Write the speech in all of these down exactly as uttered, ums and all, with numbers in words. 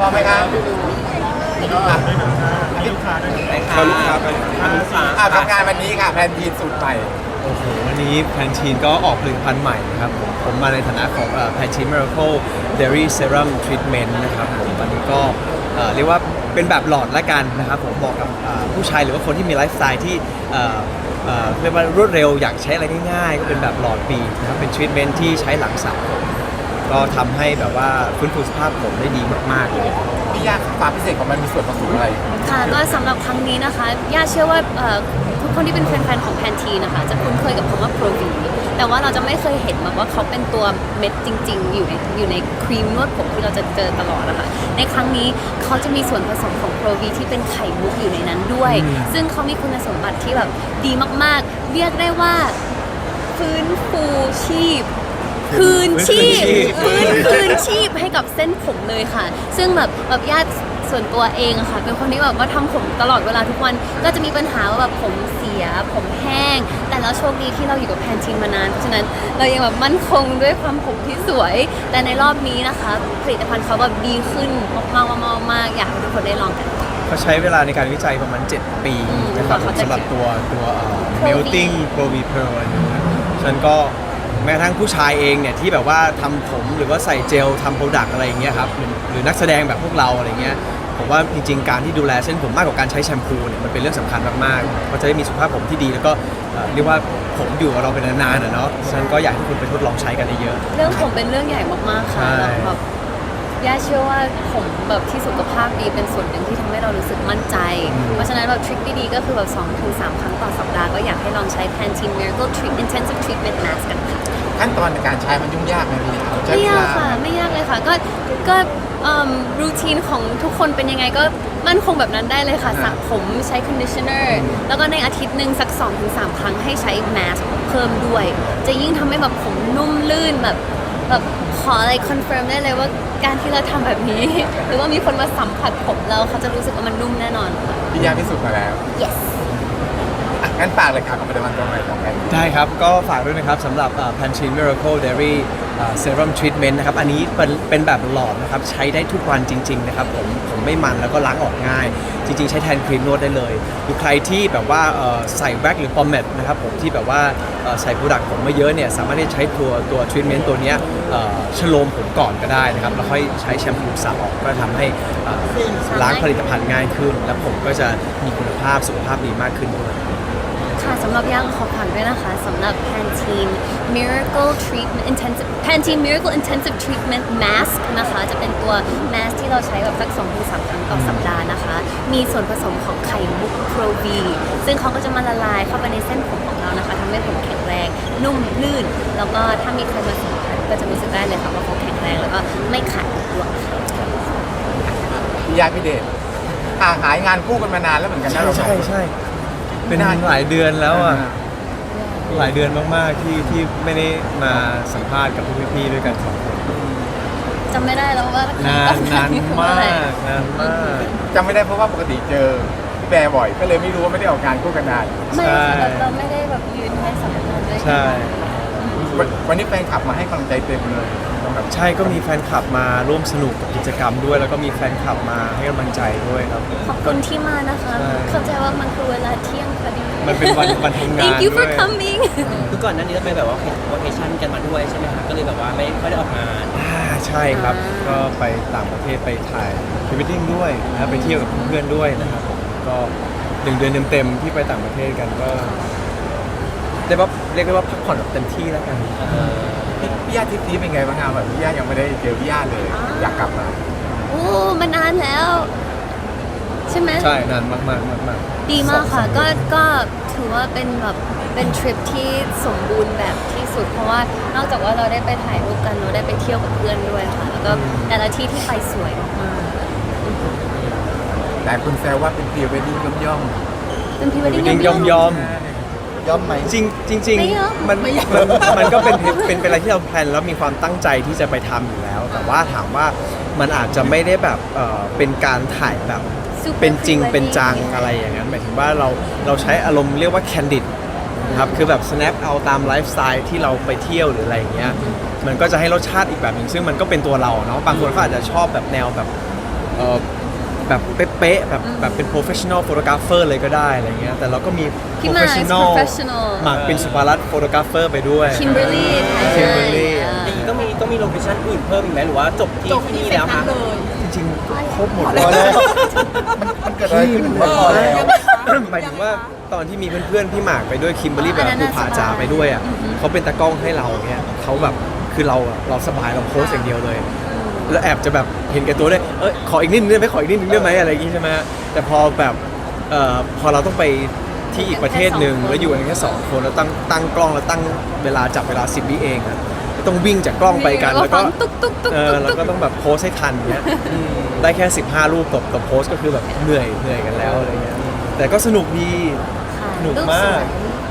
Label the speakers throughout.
Speaker 1: มไหมครับ
Speaker 2: ลูกค้าด้วย
Speaker 1: เขาลูกค้าไปอ่าทำงานวันนี้ค่ะแพนทีนสูตรใหม่
Speaker 3: โอ้โหวันนี้แพนทีนก็ออกผลิตภัณฑ์ใหม่นะครับผมผมมาในฐานะของแพนทีน Miracle Dairy Serum Treatment นะครับผมวันนี้ก็เอ่อเรียกว่าเป็นแบบหลอดละกันนะครับผมเหมาะกับอ่าผู้ชายหรือว่าคนที่มีไลฟ์สไตล์ที่เอ่อเอ่อเรียกว่ารวดเร็วอยากใช้อะไรง่ายๆก็เป็นแบบหลอดปีนะครับเป็นทรีทเมนต์ที่ใช้หลังสระผมก็ทำให้แบบว่าฟื้นฟูสภาพผมได้ดีมากๆเลย
Speaker 1: พี่ยากความพิเศษของมันมีส่วนผสมอะไร
Speaker 4: ค่ะก็สำหรับครั้งนี้นะคะย่าเชื่อว่าเอ่อทุกคนที่เป็นแฟนๆของแพนทีนะคะจะคุ้นเคยกับคำว่าโปรวีแต่ว่าเราจะไม่เคยเห็นแบบว่าเขาเป็นตัวเม็ดจริงๆ อยู่ในอยู่ในครีมนวดผมที่เราจะเจอตลอดนะคะในครั้งนี้เขาจะมีส่วนผสมของโปรวีที่เป็นไข่มุกอยู่ในนั้นด้วย ซึ่งเขามีคุณสมบัติที่แบบดีมากๆ เรียกได้ว่าฟื้นฟูชีพ คืนชีพฟื้นคืนชีพให้กับเส้นผมเลยค่ะ ซึ่งแบบแบบญาติส่วนตัวเองอะค่ะเป็นคนที่แบบว่าทำผมตลอดเวลาทุกวันก็จะมีปัญหาว่าแบบผมเสียผมแห้ง แต่แล้วโชคดีที่เราอยู่กับแพนทีนมานานเพราะฉะนั้นเรายังแบบมั่นคงด้วยความผมที่สวย แต่ในรอบนี้นะคะผลิตภัณฑ์เขาแบบดีขึ้นมากๆมากๆอยากให้ทุกคนได้ลองกัน
Speaker 3: เขาใช้เวลาในการวิจัยประมาณ เจ็ด ปีนะครับ
Speaker 4: เขาจะ
Speaker 3: สำหรับตัวตัวเอ่อ
Speaker 4: Pro V
Speaker 3: melting Pro V Pearl นะครับฉะนั้นก็แม้กระทั่งผู้ชายเองเนี่ยที่แบบว่าทำผมหรือว่าใส่เจลทำโปรดักต์อะไรอย่างเงี้ยครับหรือหรือนักแสดงแบบพวกเราอะไรเงี้ยผมว่าจริงๆการที่ดูแลเส้นผมมากกว่าการใช้แชมพูเนี่ยมันเป็นเรื่องสำคัญมากๆเพราะจะได้มีสุขภาพผมที่ดีแล้วก็เอ่อเรียกว่าผมอยู่กับเราเป็นนานๆอะเนาะฉะนั้นก็อยากให้ทุกคนไปทดลองใช้กันเยอะ
Speaker 4: เรื่องผมเป็นเรื่องใหญ่มากๆค่ะ
Speaker 3: ใช่
Speaker 4: แล้วแบบย่าเชื่อว่าผมแบบที่สุขภาพดีเป็นส่วนหนึ่งที่ทำให้เรารู้สึกมั่นใจ เพราะฉะนั้นแบบทริคดีๆก็คือแบบสองถึงสามครั้งต่อสัปดาห์ก็อยากให้ลองใช้ Pantene Miracle Treat Intensive Treatment Mask กันค่ะ
Speaker 1: ขั้นตอนในการใช้มันยุ่งยากไหมพี่ใช้
Speaker 4: ไม่
Speaker 1: เวย
Speaker 4: าก
Speaker 1: ลา
Speaker 4: ค่ะไม่ยากเลยค่ะก็ก็รูทีนของทุกคนเป็นยังไงก็มั่นคงแบบนั้นได้เลยค่ะสระผมใช้ conditioner แล้วก็ในอาทิตย์หนึ่งสัก สองถึงสาม ครั้งให้ใช้ mask เพิ่มด้วย จะยิ่งทำให้แบบผมนุ่มลื่นแบบแบบขออะไรคอนเฟิร์มได้เลยว่าการที่เราทำแบบนี้ หรือว่ามีคนมาสัมผัสผมเราเขาจะรู้สึกว่ามันนุ่มแน่นอนค่ะ
Speaker 1: พี่ยากพิสูจน์มาแล้ว
Speaker 4: yes
Speaker 1: อ่ะงั้นฝากเลยค่ะกับผลิตภัณฑ์ตัวใหม่ของแพนทีน
Speaker 3: ได้ครับ ก็ฝากด้วยนะครับสำหรับ Pantene Miracle Dairy เอ่อ Serum Treatment นะครับ อันนี้เป็นเป็นแบบหลอดนะครับ ใช้ได้ทุกวันจริง ๆ นะครับ ผมผมไม่มันแล้วก็ล้างออกง่าย จริง ๆ ใช้แทนครีมนวดได้เลยหรือใครที่แบบว่าเอ่อใส่แว็กหรือปอมเมดนะครับผมที่แบบว่าเอ่อใส่โปรดักต์ผมมาเยอะเนี่ย สามารถที่จะใช้ตัวตัวทรีทเมนต์ตัวเนี้ยเอ่อชโลมผมก่อนก็ได้นะครับ แล้วค่อยใช้แชมพูสระออกก็ทำให้เอ่อล้างผลิตภัณฑ์ง่ายขึ้น และผมก็จะมีคุณภาพสุขภาพดีมากขึ้นด้วย
Speaker 4: ค่ะสำหรับย่างขอผ่านด้วยนะคะสำหรับ Pantene Miracle Treatment Intensive Pantene Miracle Intensive Treatment Mask นะคะจะเป็นตัว mask ที่เราใช้แบบสัก สองถึงสาม ครั้งต่อสัปดาห์นะคะ มีส่วนผสมของไข่มุก Pro V ซึ่งเขาก็จะมาละลายเข้าไปในเส้นผมของเรานะคะทำให้ผมแข็งแรง นุ่มลื่น แล้วก็ถ้ามีใครมาสัมผัสก็จะรู้สึกได้เลยค่ะว่าเขาแข็งแรงแล้วก็ไม่ขาดด้วยค่ะ
Speaker 1: พี่ยากพี่เดชห่างหายงานคู่กันมานานแล้วเหมือนกันนะ
Speaker 3: ใช่
Speaker 1: เราสอง
Speaker 3: ใช่
Speaker 1: คน
Speaker 3: ใช่เป็นหลายเดือนแล้วอ่ะ หลายเดือนมากๆที่ที่ไม่ได้มาสัมภาษณ์กับพวกพี่ๆด้วยกันสองคน
Speaker 4: จำไม่ได้แล้วว่าน
Speaker 3: านนานมากนานมาก
Speaker 1: จำไม่ได้เพราะว่าปกติเจอพี่แบร์บ่อย ก็เลยไม่รู้ว่าไม่ได้ออกงานคู่กันนาน
Speaker 4: ไม่ค่ะแบบเราไม่ได้แบบยืนให้สัมภาษณ์ด้วยกัน
Speaker 3: ใช่
Speaker 1: วันวันนี้แฟนคลับมาให้กำลังใจเต็มเลยแบบ
Speaker 3: ใช่ก็มีแฟนคลับมาร่วมสนุกกับกิจกรรมด้วย แล้วก็มีแฟนคลับมาให้กำลังใจด้วยครับ
Speaker 4: ขอบคุณที่มานะคะ
Speaker 3: ใช่
Speaker 4: เข้าใจว่ามันคือเวลาเที่ยงพอดี
Speaker 3: มันเป็นวันวันทำงาน
Speaker 4: Thank you
Speaker 3: ด้
Speaker 4: for
Speaker 3: วย
Speaker 4: coming
Speaker 2: คือก่อนหน้านี้เราไปแบบว่าวัเคชั่นกันมาด้วยใช่ไหมคะก็เลยแบบว่าไม่ค่อยได้ออกงาน
Speaker 3: อ่าใช่ครับ
Speaker 4: อ่า
Speaker 3: ก็ไปต่างประเทศไปถ่ายพรีเวดดิ้งด้วยนะครับไปเที่ยวกับเพื่อนๆด้วยนะครับผมก็หนึ่งเดือนเต็มๆที่ไปต่างประเทศกันก็ได้ว่าเรียกได้ว่าพักผ่อนแบบเต็มที่แล้วกัน
Speaker 1: พี่พี่ยาทริปนี้เป็นไงบ้างครับแบบพี่ยายังไม่ได้เจอพี่ยาเลย อยากกลับมา
Speaker 4: โอ้มันนานแล้ว ใช่ไหม
Speaker 3: ใช่นานมากๆมาก
Speaker 4: ดีมากค่ะ ก็ก็ถือว่าเป็นแบบเป็นทริปที่สมบูรณ์แบบที่สุด เพราะว่านอกจากว่าเราได้ไปถ่ายรูปกันเราได้ไปเที่ยวกับเพื่อนด้วยค่ะ แล้วก็แต่ละที่ที่ไปสวยมาก
Speaker 1: แต่คุณแซวว่าเป็นพรีเวดดิ้งย่อม
Speaker 4: ๆเป็นพรีเวดดิ้ง
Speaker 3: จริงๆยอมยอม
Speaker 1: ๆย่อมไหม
Speaker 3: จริงจริง
Speaker 4: ไม่ยอม
Speaker 3: ๆมันมันมันก็เป็นเป็นเป็นอะไรที่เราแพลนแล้วมีความตั้งใจที่จะไปทำอยู่แล้ว แต่ว่าถามว่ามันอาจจะไม่ได้แบบเอ่อเป็นการถ่ายแบบ
Speaker 4: Super
Speaker 3: เป็นจริง
Speaker 4: pre-wedding
Speaker 3: เป็นจังอะไรอย่างนั้นหมายถึงว่าเราเราใช้อารมณ์เรียกว่า candid นะครับคือแบบ snap เอาตามไลฟ์สไตล์ที่เราไปเที่ยวหรืออะไรอย่างเงี้ยมันก็จะให้รสชาติอีกแบบหนึ่งซึ่งมันก็เป็นตัวเราเนาะบางคนเขาอาจจะชอบแบบแนวแบบเอ่อแบบเป๊ะๆแบบแบบเป็น professional photographer เลยก็ได้อะไรเงี้ยแต่เราก็มี
Speaker 4: พี่หมาก
Speaker 3: professional
Speaker 4: professional
Speaker 3: หมากเป็นสุภารัตน์ photographer ไปด้วย
Speaker 4: คิมเบอร์รี่
Speaker 3: Kimberly
Speaker 2: จริงๆต้องมีต้องมีโลเคชั่นอื่นเพิ่มอีกไหมหรือว่าจบที่ที่นี่แล้วคะ
Speaker 3: จริงๆครบหมด
Speaker 1: พ
Speaker 3: เล
Speaker 1: อย แล้วมันมันเกิดอะไรขึ้นพอแล้ว
Speaker 3: หมายถึงว่าตอนที่มีเพื่อนๆพี่หมากไปด้วยคิมเบอร์รี่แบบภูผาจ่าไปด้วยอ่ะเขาเป็นตากล้องให้เราเนี่ยเขาแบบคือเราอะเราสบายเราโพสอย่างเดียวเลย แล้วแอบจะแบบเห็นแก่ตัวด้วยเอ้ยขออีกนิดนึงได้ไหมขออีกนิดนึงได้ไหมอะไรอย่างงี้ใช่ไหมแต่พอแบบเอ่อพอเราต้องไปที่อีกประเทศหนึ่งแล้วอยู่กันแค่สองคนแล้วตั้งตั้งกล้องแล้วตั้งเวลาจับเวลาสิบวิเองอะต้องวิ่งจากกล้องไปกันแล้วก็
Speaker 4: ตุ๊กตุ๊กตุ๊ก
Speaker 3: เออ
Speaker 4: ตุ๊ก
Speaker 3: แล้วก็ต้องแบบโพสให้ทันเนี้ยได้แค่สิบห้ารูปต่อต่อโพสก็คือแบบเหนื่อยเหนื่อยกันแล้วอะไรเงี้ยแต่ก็สนุกดี สนุกมาก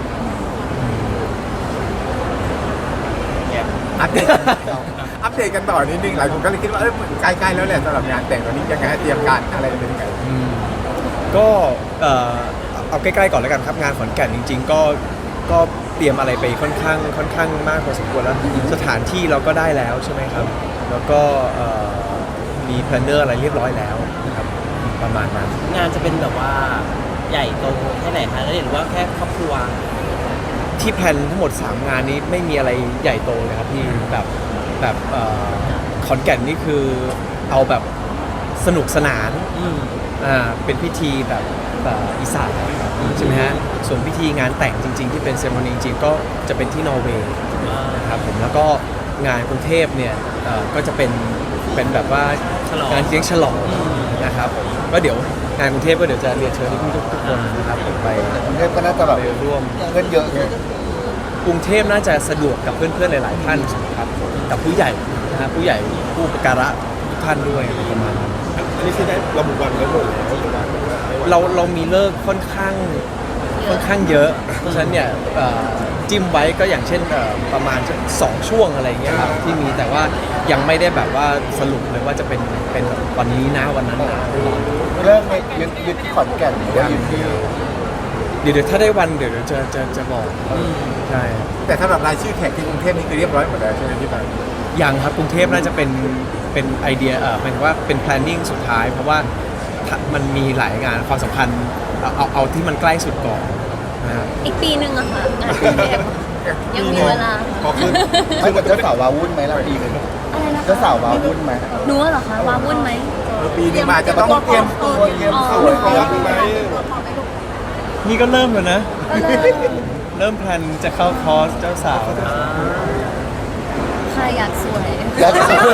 Speaker 1: อัปเดตอัปเดตกันต่อนิดนึงหลายคนก็เลยคิดว่าเอ้ยใกล้ๆแล้วแหละสำหรับงานแต่งตอนนี้ยังไงเตรียมการอะไรเป็นยังไง
Speaker 3: อืมก็เอ่อเอาใกล้ๆก่อนแล้วกันครับงานขอนแก่นจริง ๆ ก็ก็เตรียมอะไรไปค่อนข้างค่อนข้างมากพอสมควรแล้วสถานที่เราก็ได้แล้วใช่ไหมครับ แล้วก็เอ่อมีแพลนเนอร์อะไรเรียบร้อยแล้วนะครับประมาณนั้น
Speaker 2: งานจะเป็นแบบว่าใหญ่โตแค่ไหนคะแล้วหรือว่าแค่ครอบครัว
Speaker 3: ที่แพลนทั้งหมดสามงานนี้ไม่มีอะไรใหญ่โตเลยครับพี่แบบแบบเอ่อขอนแก่นนี่คือเอาแบบสนุกสนาน
Speaker 2: อืม
Speaker 3: อ่าเป็นพิธีแบบแบบอีสานใช่ไหมฮะส่วนพิธีงานแต่งจริง ๆ ที่เป็นเซ r ร m ม n y จริงๆก็จะเป็นที่นอร์เวย์นะครับผมแล้วก็งานกรุงเทพเนี่ยเอ่อก็จะเป็นเป็นแบบว่า
Speaker 2: ฉลอง
Speaker 3: งานเลี้ยงฉลองนะครับผมก็เดี๋ยวงานกรุงเทพก็เดี๋ยวจะเรียนเชิญทุกๆทุกคนนะครับผมไป
Speaker 1: กรุงเทพก็น่าจะแบบ
Speaker 3: ไปร่วม
Speaker 1: เงินเยอะไง
Speaker 3: กรุงเทพน่าจะสะดวกกับเพื่อนๆหลายๆท่านครับกับผู้ใหญ่นะฮะผู้ใหญ่ผู้อุปการะทุกท่านด้วยอะไรประมาณนั้น
Speaker 5: อันนี้คือได้ระบุวันไว้หมดแล้วหรือว่าไม่ว่า
Speaker 3: เราเรามีเลิกค่อนข้างค่อนข้างเยอะ เพราะฉะนั้นเนี่ยเอ่อจิ้มไว้ก็อย่างเช่นเอ่อประมาณสองช่วงอะไรอย่างเงี้ยครับที่มีแต่ว่ายังไม่ได้แบบว่าสรุปเลยว่าจะเป็นเป็นแบบวันนี้นะวันนั้นนะ
Speaker 1: เริ่มในยึดยึดที่ขอนแก่นหรือว่ายึดที่
Speaker 3: เดี๋ยวเดี๋ยวถ้าได้วันเดี๋ยวเดี๋ยวจะจะจะบอกใช่
Speaker 1: แต่สำหรับรายชื่อแขกที่กรุงเทพนี่คือเรียบร้อยหมดแล้วใช่ไหมพี่ปาน
Speaker 3: ยังครับกรุงเทพน่าจะเป็นเป็นไอเดียเออหมายถึงว่าเป็น planning สุดท้าย เพราะว่าถ้ามันมีหลายงานความสำคัญเอาเอาเอาที่มันใกล้สุดก่อนนะครับ
Speaker 4: อีกปีหนึ่งอะค่ะงานกรุงเทพยังมีเวลา
Speaker 5: พอขึ้น
Speaker 1: ไม่กับเจ้าสาววาวุ่นไหมล่ะปีหนึง
Speaker 4: อะไรนะคะ
Speaker 1: เจ้าสาววาวุ่นไหม
Speaker 4: หนูเหรอคะวาวุ่นไหม
Speaker 1: ปีหนึงมาจะต้องเตรียมตัวเตรียมเข้า
Speaker 5: พร้อมไหม
Speaker 3: นี่ก็เริ่มแล้วนะ
Speaker 4: ก็เริ่ม
Speaker 3: เริ่มแพลนจะเข้าคอร์สเจ้าสาวนะ
Speaker 4: ใครอยากสวย
Speaker 1: แล้ว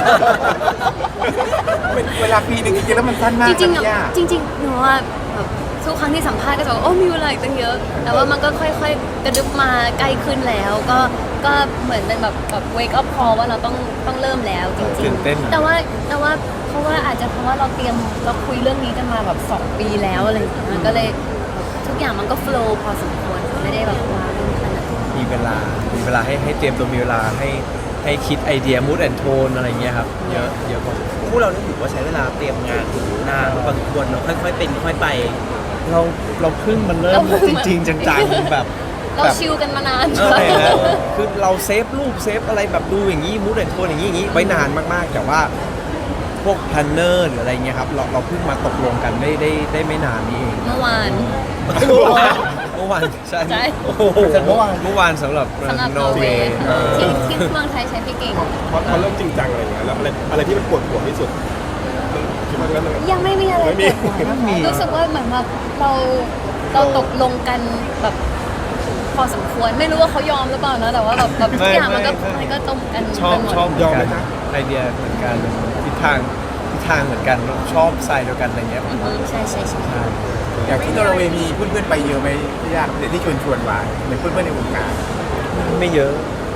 Speaker 1: เวลาปีหนึงจริงๆแล้วมันสั้นมาก
Speaker 4: จริงๆ
Speaker 1: นะ
Speaker 4: อะ
Speaker 1: พี่ย่า
Speaker 4: จริงๆหนูว่าแบบทุกครั้งที่สัมภาษณ์ก็จะบอกโอ้มีเวลาอีกตั้งเยอะ แต่ว่ามันก็ค่อยๆ กระดึบมาใกล้ขึ้นแล้ว ก็ก็เหมือนเป็นแบบแบบ wake up call ว่าเราต้องต้องเริ่มแล้วจริ
Speaker 3: ตื่
Speaker 4: ง
Speaker 3: นเต้น
Speaker 4: ๆ แต่ว่าแต่ว่าเพราะว่าอาจจะเพราะว่าเราเตรียมเราคุยเรื่องนี้กันมาแบบสองปีแล้วอะไรอย่างเงี้ยมันก็เลยทุกอย่างมันก็ flow พอสมควรไม่ได้แบบว้าวขนาดนั้น
Speaker 3: มีเวลา มีเวลาให้ให้เตรียมตัวมีเวลาให้ให้คิดไอเดีย mood and tone อะไรเงี้ยครับ เยอะเยอะพอสมควร
Speaker 2: พวกเรานี่ถือว่าใช้เวลาเตรียมงานนานพอสมควรเนอะค่อยๆเป็นค่อยๆไป
Speaker 3: เราเราเพิ่งมันเริ่
Speaker 4: เรา
Speaker 3: ม
Speaker 4: เพิ่ง
Speaker 3: จริง ๆ จังๆแบบ
Speaker 4: เรา
Speaker 3: แบบ
Speaker 4: ชิลกันมานาน
Speaker 3: ใช่ฮะคือเราเซฟรูปเซฟอะไรแบบดูอย่างนี้ mood and tone อย่างนี้อย่างนี้ไว้นานมากๆ แต่ว่าพวก planner หรืออะไรเงี้ยครับ เราเราเพิ่งมาตกลงกันได้ได้ได้ไม่นานนี้เอง
Speaker 4: เมื่อวาน
Speaker 3: เมื่อวานใช่
Speaker 4: ใช่
Speaker 3: โอ้โหเมื่อวานเมื่อวานสำหรับ
Speaker 4: สำหรับ
Speaker 3: น
Speaker 4: น
Speaker 3: อ
Speaker 4: อ
Speaker 3: ร์
Speaker 4: ร์
Speaker 3: เว
Speaker 4: เว
Speaker 3: ย์
Speaker 4: ย์ที่ที่เมืองไทยใช้พี่เก่ง
Speaker 5: พอพอเริ่มจริงจังอะไรอย่างเงี้ยแล้วอะไรอะไรที่มันปวดหัวที่สุดคิดว่าเรื่องอะไร
Speaker 4: ยังไม่มีอะไร
Speaker 5: ไม่มี
Speaker 4: เปิดหัว
Speaker 3: ไม่มี
Speaker 4: รู้สึกว่าเหมือนแบบเราเราตกลงกันแบบพอสมควรไม่รู้ว่าเขายอมหรือเปล่านะแต่ว่าแบบแบบทุกอย่างมันก็มันก็ตรงกัน
Speaker 3: ชอบ
Speaker 4: ไปหมด
Speaker 3: ชอบ
Speaker 5: ยอมไหม
Speaker 3: กัน
Speaker 5: จ๊ะ
Speaker 3: ไอเดียเหมือนกันทิศทางทิศทางเหมือนกันชอบสไตล์เดียวกันอะไรเงี้ย
Speaker 4: อือฮึใช่ใช่ใช่
Speaker 3: ใช่
Speaker 1: อย่างที่นอร์เวย์มีเพื่อนๆไปเยอะไหมพี่ย่าเดี๋ยวที่ชวนชวนๆมาในเพื่อนๆในวงการ
Speaker 3: ไม่เยอะ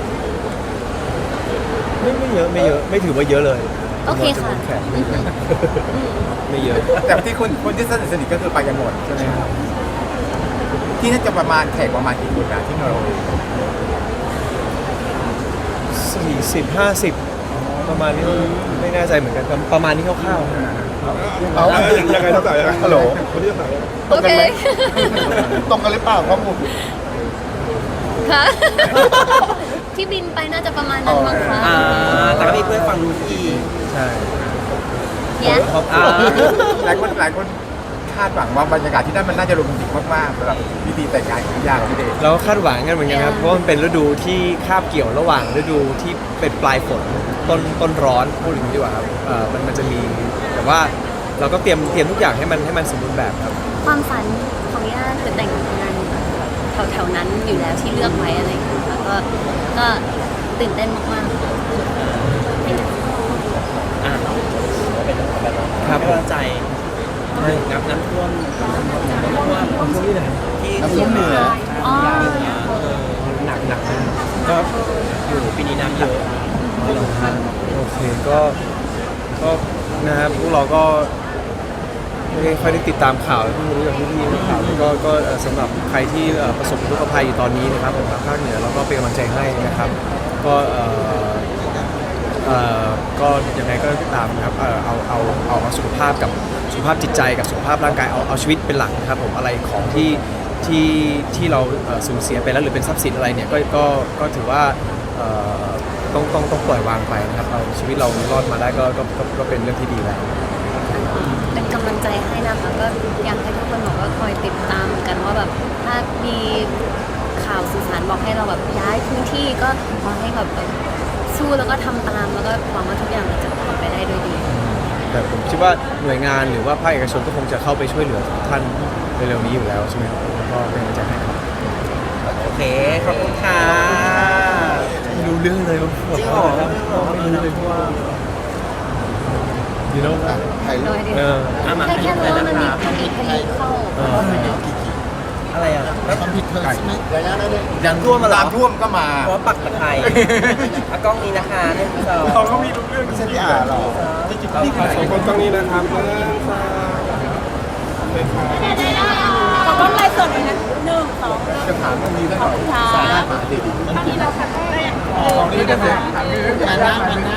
Speaker 3: ไม่ไม่เยอะไม่เยอะไม่ถือว่าเยอะเลย
Speaker 4: โอเคค่ะ
Speaker 3: จำนวนแขกไม่เยอะไม่เยอะ
Speaker 1: แต่ที่คนคนที่สนิทสนิทก็คือไปกันหมดใช่ไหมครับที่น่าจะประมาณแขกประมาณกี่คนนะที่นอร์เวย์
Speaker 3: สี่สิบห้าสิบประมาณนี้ไม่แน่ใจเหมือนกันประมาณนี้คร่าวๆนะ
Speaker 1: เอา
Speaker 5: ยังไงเท่าไหร่ยังไง
Speaker 1: ฮัลโหล
Speaker 5: คนที่เท่าไหร่
Speaker 4: โอเค
Speaker 1: ตรงกันหรือเปล่าข้อมูล
Speaker 4: ค่ะ ที่บินไปน่าจะประมาณนั้นมั้งคะ
Speaker 2: อ่าแต่ก็มีเพื่อนฟังรู้นอีก
Speaker 3: ใช่
Speaker 4: เนี่ย
Speaker 2: อ่า
Speaker 1: หลายคนหลายคนคาดหวังว่าบรรยากาศที่นั่นมันน่าจะโรแมนติกมากๆสำหรับพิธีแต่งงานของพี่ย่ากับพี่เดช
Speaker 3: เราก็คาดหวังกันเหมือนกันครับ เพราะว่ามันเป็นฤดูที่คาบเกี่ยวระหว่างฤดูที่เป็นปลายฝนต้นต้นร้อนพูดอย่างนี้ดีกว่าครับเอ่อมันมันจะมีแต่ว่าเราก็เตรียมเตรียมทุกอย่างให้มันให้มันสมบูรณ์แบบครับ
Speaker 4: ความฝันของย่าคือแต่งงานแถวๆนั้นอยู่แล้วที่เลือกไว้อะไรอย่างเงี้ยค่ะก็ก็ตื่นเต้นมากๆ
Speaker 2: อ่ะเป็นแบบว่า
Speaker 3: ครับ
Speaker 2: ให้กำลังใจน้ำน้ำท่วมน้ำท่วมน้ำท่วมที่ไหนที่
Speaker 1: น้ำท่วมเหนือ
Speaker 4: อ๋อ
Speaker 2: หนักหนักมากก็อยู่ปีนี้น้ำเยอะ
Speaker 3: โอเคก็ก็นะครับพวกเราก็ไม่ได้ค่อยได้ติดตามข่าวเพิ่งรู้จากพี่ๆนักข่าวก็ก็เอ่อสำหรับใครที่เอ่อประสบอุทกภัยอยู่ตอนนี้นะครับผมทางภาคเหนือเราก็เป็นกำลังใจให้นะครับ ก็เอ่อเอ่อก็ยังไงก็ตามนะครับเอ่อเอาเอาเอาเอาสุขภาพกับสุขภาพจิตใจกับสุขภาพร่างกายเอาเอาชีวิตเป็นหลักนะครับผมอะไรของที่ที่ที่เราเอ่อสูญเสียไปแล้วหรือเป็นทรัพย์สินอะไรเนี่ยก็ก็ก็ถือว่าเอ่อต้องต้องต้องปล่อยวางไปนะครับเอาชีวิตเรารอดมาได้ก็ก็ก็ก็เป็นเรื่องที่ดีแล้ว
Speaker 4: เป็นกำลังใจให้นะคะก็อยากให้ทุกคนบอกว่าคอยติดตามกันว่าแบบถ้ามีข่าวสื่อสารบอกให้เราแบบย้ายพื้นที่ก็ขอให้แบบแบบสู้แล้วก็ทำตามแล้วก็หวังว่าทุกอย่างมันจะผ่านไปได้ด้วยดี
Speaker 3: แต่ผมคิดว่าหน่วยงานหรือว่าภาคเอกชนก็คงจะเข้าไปช่วยเหลือทุกท่านเร็วๆนี้อยู่แล้วใช่ไหมครับก็เป็นกำลังใจให้ครับ
Speaker 2: โอเคขอบคุณค่ะ
Speaker 3: ไม่รู้เรื่องเลยว่า
Speaker 2: จริงเหรอ
Speaker 3: ไม่รู้เลยเพราะว่าดีโน่
Speaker 1: ถ่ายรู
Speaker 4: โด
Speaker 1: ป
Speaker 4: ยเดียว
Speaker 3: เออ
Speaker 2: อ่ะมา
Speaker 4: แค่แค่รู้ว่ามันมี
Speaker 2: นะ
Speaker 4: มันมีพายุเข้า
Speaker 3: เออ
Speaker 2: อะไรอ่ะแล้ว
Speaker 1: ความผิดเธอใช่ไหมระยะนั้นเลย
Speaker 2: ยังท่วมมาเหรอ
Speaker 1: น้ำท่วมก็มา
Speaker 2: เพราะว่าปักตะไคร้อ่ะกล้องนี้นะคะหนึ่งสอง
Speaker 1: เขาก็มีรู้เรื่องไม่ใช่พี่อ่าหรอ
Speaker 5: นี่ค่ะสองคนตรงนี้นะครับหนึ่งสองเลยค่ะ
Speaker 6: ขอต้นไลฟ์สดหน่อยนะหนึ่งสอง
Speaker 1: จะถามเรื่องนี้ได้หน่อย
Speaker 6: ค่ะ
Speaker 1: สาระหาดี
Speaker 6: ตอนนี้เราทำได้
Speaker 1: ๆของนี้ก็เสียถามเรื่องงานน้ำงานน้